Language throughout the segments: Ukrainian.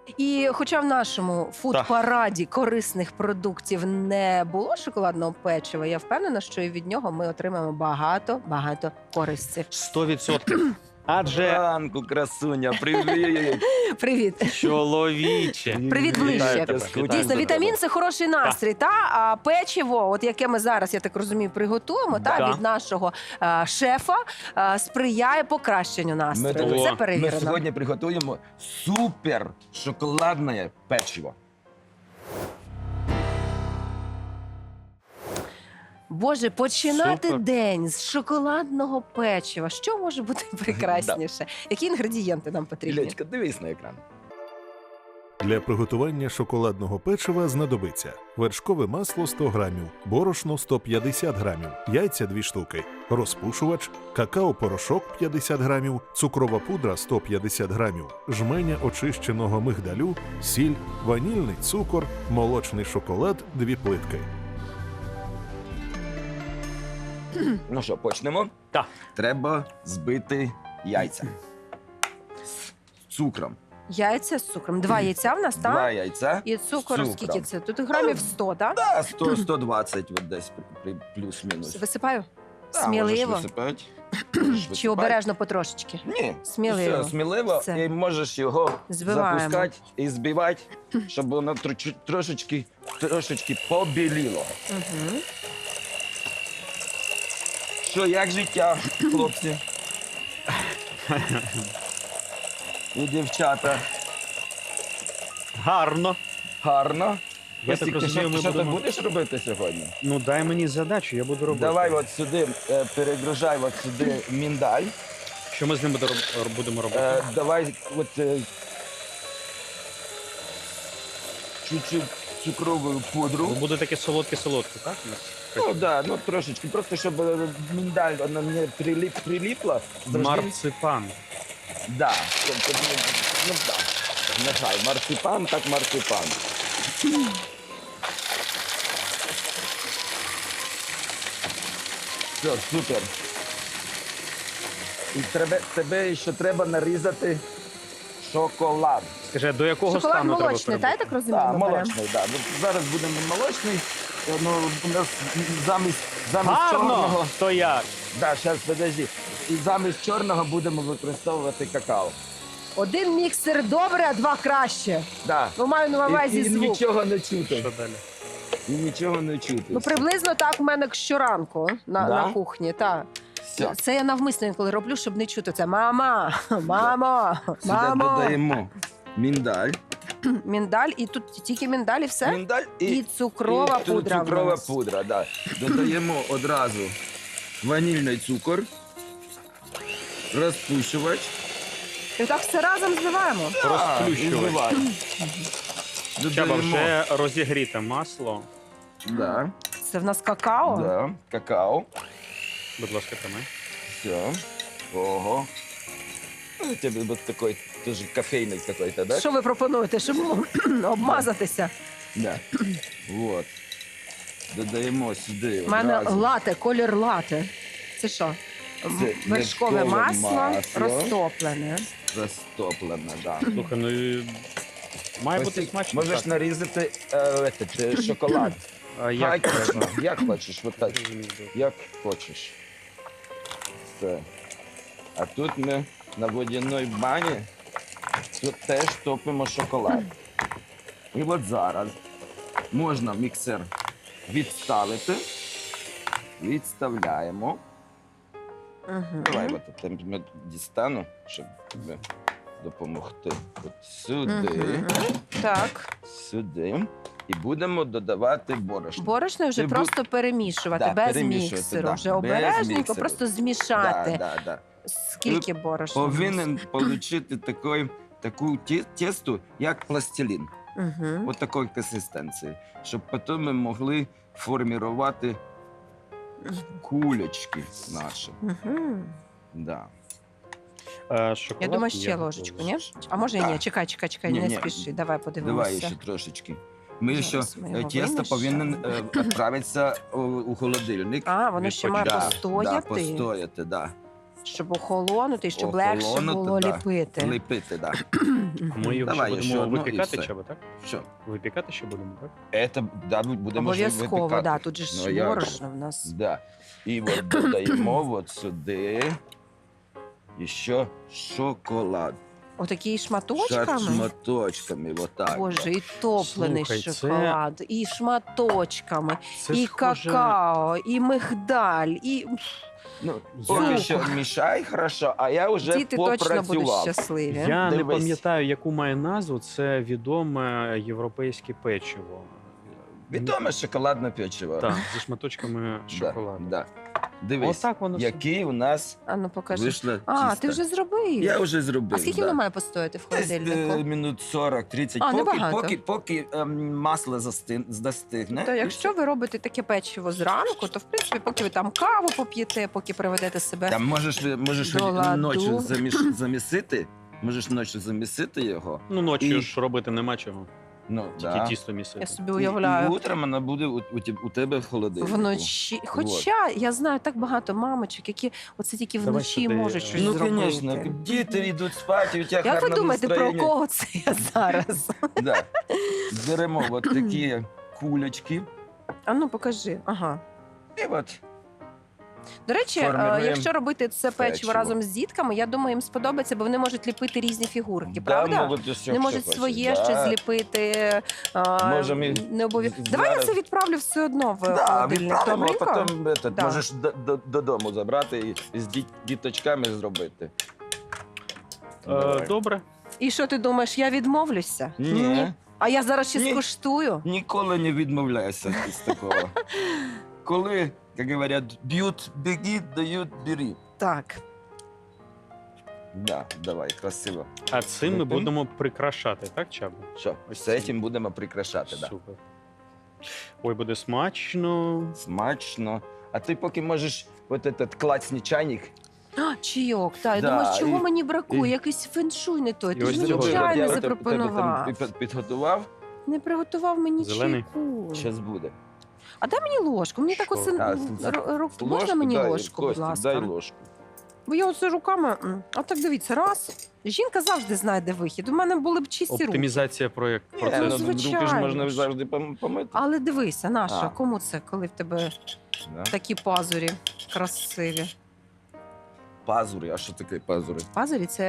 І хоча в нашому фуд-параді корисних продуктів не було шоколадного печива, я впевнена, що і від нього ми отримаємо багато користі. 100%. Адже Ранку, красуня, привіт! Привіт! чоловіче. Привіт ближче. Вітаю тебе, вітаю Дійсно, тебе. вітамін – це хороший настрій, та? А печиво, от яке ми зараз, я так розумію, приготуємо, та, Да. від нашого шефа, сприяє покращенню настрою. О, Це Ми перевірено. сьогодні приготуємо супер шоколадне печиво. Боже, починати Супер. день з шоколадного печива. Що може бути прекрасніше? Які інгредієнти нам потрібні? Ілечка, дивись на екран. Для приготування шоколадного печива знадобиться вершкове масло 100 грамів, борошно 150 грамів, яйця 2 штуки, розпушувач, какао-порошок 50 грамів, цукрова пудра 150 грамів, жменя очищеного мигдалю, сіль, ванільний цукор, молочний шоколад 2 плитки. Ну що, почнемо? Так. Треба збити яйця з цукром. Яйця з цукром. 2 яйця в нас, 2 так? яйця. І цукор, цукром. скільки це? Тут грамів 100, так? Да, 100-120 от десь плюс-мінус. Висипаю? Да, Сміливо? можеш висипати. Чи обережно потрошечки? Ні, Сміливо. Все, сміливо. Все. І можеш його Збиваємо. запускати і збивати, щоб воно трошечки побіліло. Угу. Що, як життя, хлопці? І дівчата. Гарно. Гарно. Я Костік, так ти розумію, ми що ти будемо- будеш робити сьогодні? Ну дай мені задачу, я буду робити. Давай от сюди, перегружай от сюди міндаль. Що ми з ним будемо робити? Давай от чуть-чуть цукрову пудру. Буде таке солодке-солодке, так? у нас? Ну да, ну трошечки, просто щоб міндаль вона не приліпла. Завжди- Марципан. Да. Ну да. Нехай, марципан, так марципан. Все, супер. І тебе ще треба нарізати шоколад. Скажи, а до якого Шоколад стану треба молочний, так, я так розумію? Так, ми беремо? молочний, так. Зараз будемо молочний. Ну, у нас замість Гарно! чорного. То як? Да, зараз подожди. І замість чорного будемо використовувати какао. 1 міксер добре, а 2 краще. Да. Ну, маю на увазі І звук. нічого не чути. Що далі? І нічого не чути. Ну, приблизно так в мене щоранку Да? на кухні. Так. Все. Це я навмисно інколи роблю, щоб не чути це. Мама, мамо, Сюди мамо. додаємо міндаль. Міндаль, і тут тільки міндаль і все? Міндаль І цукрова і пудра. в Цукрова нас. пудра, да. Додаємо одразу ванільний цукор, розпушувач. І так все разом зливаємо. Розплющувач. І зливаємо. Чаба, Додаємо. вже розігріте масло. Да, Це в нас какао. да, какао. Будь ласка, тримай. Все. Ого. Ну, у тебе вот такой тоже кофейный какой-то, да? Що ви пропонуєте, щоб обмазатися? Да. Вот. Додаємо сюди. У мене одразу. лате, колір лате. Це що? Це Вершкове вершкове масло масло. розтоплене. Розтоплено, да. Слухай, ну і має бути Костік, смачно. можеш так. нарізати шоколад. А як Точно, треба? як хочеш, вот так. Як хочеш. Все. А тут ми на водяній бані тут теж топимо шоколад. І от зараз можна міксер відставити. Відставляємо. Угу. Давай от там ми дістану, щоб тобі допомогти. От сюди, Так. сюди. І будемо додавати борошно. Борошно вже Ти просто перемішувати, Да, без перемішувати, міксеру. да, Вже без обережненько, міксеру. просто змішати. Да. Скільки борошна? Повинен отримати таку тесту, як пластилін. Угу. От такої консистенції. Щоб потім ми могли формувати кулечки наші. Угу. Да. Шоколад Я думаю, ще є ложечку, ні? готовий. А може і ні? Так. Чекай, Ні, не ні. спіши. Давай подивимося. Давай ще трошечки. Ми Зараз ще ми його тесто вимішаємо. повинен відправитися у холодильник. А, воно ще має Да, постояти. Да, постояти, да. щоб охолонути, і щоб легше Охолонути, було да. ліпити. Ліпити, да. Ми його Давай, ще ще будемо одну і випікати, все. Чаба, так? Що? Випікати ще будемо, так? Это, да, будемо ж Обов'язково, випікати. да, тут же ж Ну, як борошно в нас. Да. І от додаємо от сюди ще шоколад. Отакі шматочками. Шматочками, отак. Боже, і топлений Слухай, це- шоколад, і шматочками, Це і схоже- какао, і мигдаль, і Ну, Я- поки що мішай хорошо, а я вже діти точно будуть попрацював. щасливі. Я не Дивись. пам'ятаю, яку має назву. Це відоме європейське печиво. Відоме шоколадне печиво. Так, зі шматочками шоколаду. Да. Дивись, Отак воно все. який у нас А ну покажи. вийшло А, тісто. ти вже зробив? Я вже зробив. А скільки да. воно має постояти в Десь холодильнику? минут 40-30, А, небагато. поки масло застигне. То якщо ви робите таке печиво зранку, то в принципі, поки ви там каву поп'єте, поки приведете себе. Там можеш До ладу. ночі замісити, можеш ночі замісити його. Ну, ночі І- ж робити нема чого. Ну, Тільки тісто місити. Я собі І уявляю. утром вона буде у тебе в холодильнику. Вночі. Хоча я знаю так багато мамочок, які оце тільки Давай вночі сюди, можуть щось Ну, зробити. звісно, діти йдуть спати, у тебе Як ви гарне думаєте, про настроєння. кого це я зараз? Да. Беремо от такі кулечки. А ну покажи. Ага. І от До речі, Формируємо якщо робити це печиво печиво. разом з дітками, я думаю, їм сподобається, бо вони можуть ліпити різні фігурки, да, правда? можуть усе, Вони що можуть хочуть. своє Да. щось зліпити. Можемо і Не обов'язково. з- Давай я зараз- це відправлю все одно в Да, холодильник. відправимо, а Добренько? потім Да. можеш додому забрати і з діточками зробити. Давай. Добре. І що ти думаєш, я відмовлюся? Ні. А я зараз ще Ні. скуштую. Ніколи не відмовляйся з такого. Коли, як говорять, б'ють, біги, дають, бери. Так. Да, давай, красиво. А цим ми Готові? будемо прикрашати, так, Чаба? Що, Ось з це. цим будемо прикрашати, да. Супер. Ой, буде смачно. Смачно. А ти поки можеш от этот клацний чайник. А, чайок, так. Я Да, думаю, чого і- мені бракує? і- Якийсь феншуй не той. І Ти ось ж мені цього чай не я тебе запропонував. там підготував, Не приготував мені Зелений? чайку. зараз буде. А дай мені ложку. Мені так Що? оце А, можна мені дай, ложку, будь Костя, ласка. дай ложку. Бо я оце руками. А так дивіться, раз. Жінка завжди знайде вихід. У мене були б чисті руки. Оптимізація Ну, процесу. руки ж звичайно можна ж. завжди помити. Але дивися, наша, А. кому це, коли в тебе Да. такі пазурі красиві? Пазури, а що таке пазури? Пазурі це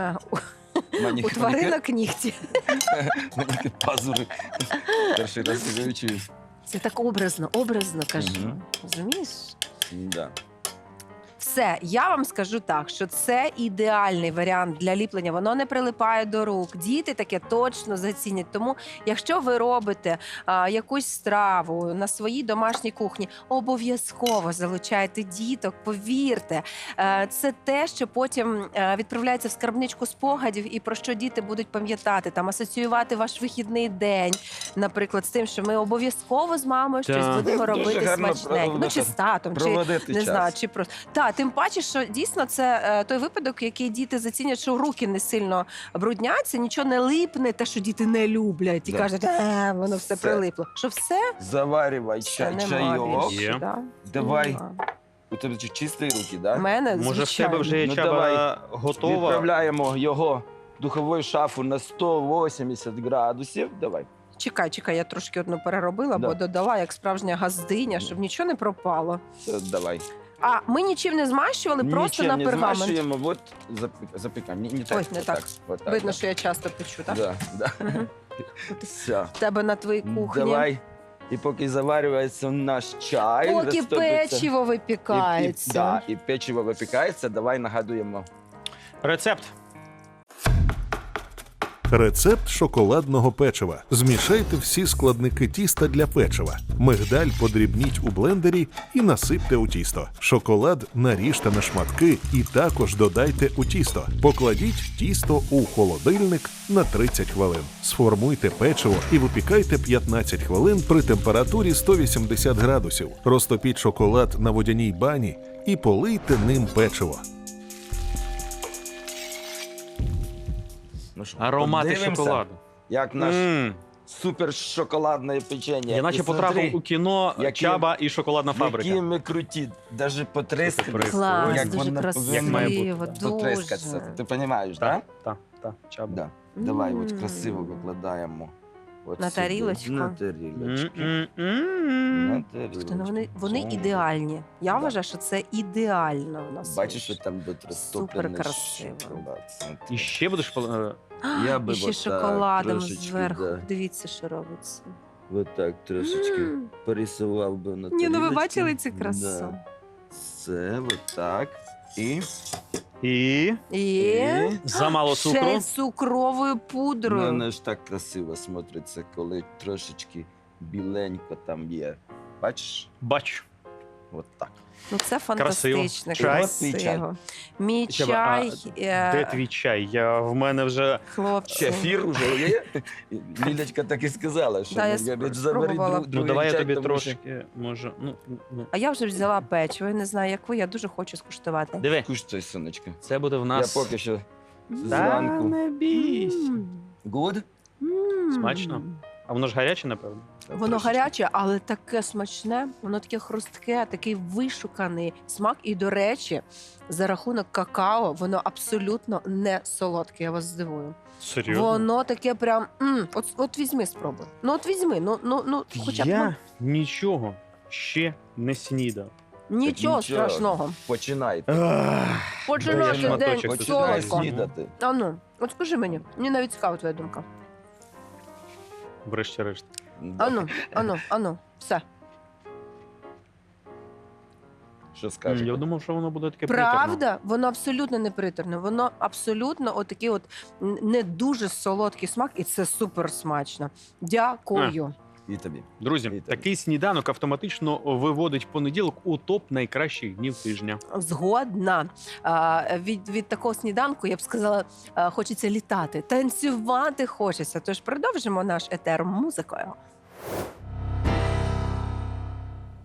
у Манік- тваринок нігті. манік- Пазури. Перший раз я чую. Це так образно кажу. Мгм. Розумієш? Да. Все, я вам скажу так, що це ідеальний варіант для ліплення. Воно не прилипає до рук. Діти таке точно зацінять. Тому, якщо ви робите якусь страву на своїй домашній кухні, обов'язково залучайте діток. Повірте, це те, що потім відправляється в скарбничку спогадів, і про що діти будуть пам'ятати, там асоціювати ваш вихідний день, наприклад, з тим, що ми обов'язково з мамою щось Так. будемо Дуже робити гарно смачненько. Ну чи з татом, чи Проводити не час. знаю, чи просто тим паче, що дійсно це той випадок, який діти зацінять, що руки не сильно брудняться, нічого не липне, те, що діти не люблять, і Да. кажуть, воно все Все. прилипло. Що все, Заварювай все нема чайок. більше. Є. Да? Давай. Нема. У тебе чисті руки, У да? мене, Може, в тебе звичайно. вже є Ну, Чаба давай. готова? Відправляємо його в духову шафу на 180 градусів. Давай. Чекай, я трошки одну переробила, Да. бо додала як справжня газдиня, щоб нічого не пропало. Все, давай. А ми нічим не змащували, просто Нічим на не пергамент. змащуємо, от запікаємо. Не так, Ой, не так. Отак, Видно, да. що я часто печу, так? Да, да. Мгм. Все. В тебе на твоїй кухні. Давай. І поки заварюється наш чай, Поки розтопиться, печиво випікається. да, і печиво випікається, давай нагадуємо. Рецепт. Рецепт шоколадного печива. Змішайте всі складники тіста для печива. Мигдаль подрібніть у блендері і насипте у тісто. Шоколад наріжте на шматки і також додайте у тісто. Покладіть тісто у холодильник на 30 хвилин. Сформуйте печиво і випікайте 15 хвилин при температурі 180 градусів. Розтопіть шоколад на водяній бані і полийте ним печиво. Ну що, Аромати подивимося, шоколаду. Як наш супер шоколадне печення. Я наче І потрапив смотри, у кіно які- Чаба і шоколадна фабрика. Які ми круті, навіть потрескались. Клас, як дуже вона красиво, Як має бути, дуже. потрескатися. Ти розумієш, так? Так, Чаба. Да. Давай, от М. красиво викладаємо. От На сюди. тарілочку? На тарілочку. М-м-м. На тарілочку. Слухайте, ну вони Цьому. ідеальні. Я Да. вважаю, що це ідеально в нас. Бачиш, що вийшло. там буде розтоплений Супер красиво. шоколад. Смотри. І ще будеш Я би І ще отак шоколадом трошечки, зверху. да. Дивіться, що робиться. От так трошечки М. порисував би на Ні, ну ви тарілочці. бачили цю красу? Да. Це от так. І І замало ще цукру. з цукровою ну, пудрою. воно ж так красиво смотриться, коли трошечки біленько там є. Бачиш? Бачу. От так. Ну це фантастично, Чай? красиво. Мій Чаба, чай, Де твій чай? В мене вже хлопці. Шефір уже є. Лілечка так і сказала, що Да, я говорить, спробувала. забери Ну давай я чай, тобі тому що- трошки, може. Ну. А я вже взяла печиво, я не знаю, як ви, я дуже хочу скуштувати. Диви, Кушай, сонечко. це буде в нас. Я поки що Та зранку. не бійся. Good? Смачно? А воно ж гаряче, напевно. Воно Трошечки. гаряче, але таке смачне, воно таке хрустке, такий вишуканий смак. І, до речі, за рахунок какао, воно абсолютно не солодке, я вас здивую. Серйозно? Воно таке прям, от візьми, спробуй. Ну от візьми, ну хоча б Я нічого ще не снідав. нічого нічого. страшного. Починайте. Починати шматочок день тут Починай солодко. снідати. Ану, от скажи мені навіть цікава твоя думка. Врешті-решт. Да. Ану, все. Що скажете? Я думав, що воно буде таке приторне. Правда, воно абсолютно не приторне. Воно абсолютно отакий от не дуже солодкий смак, і це супер смачно. Дякую. І тобі. Друзі, Вітаю. такий сніданок автоматично виводить понеділок у топ найкращих днів тижня. Згодна. Від такого сніданку, я б сказала, хочеться літати, танцювати хочеться. Тож продовжимо наш етер музикою.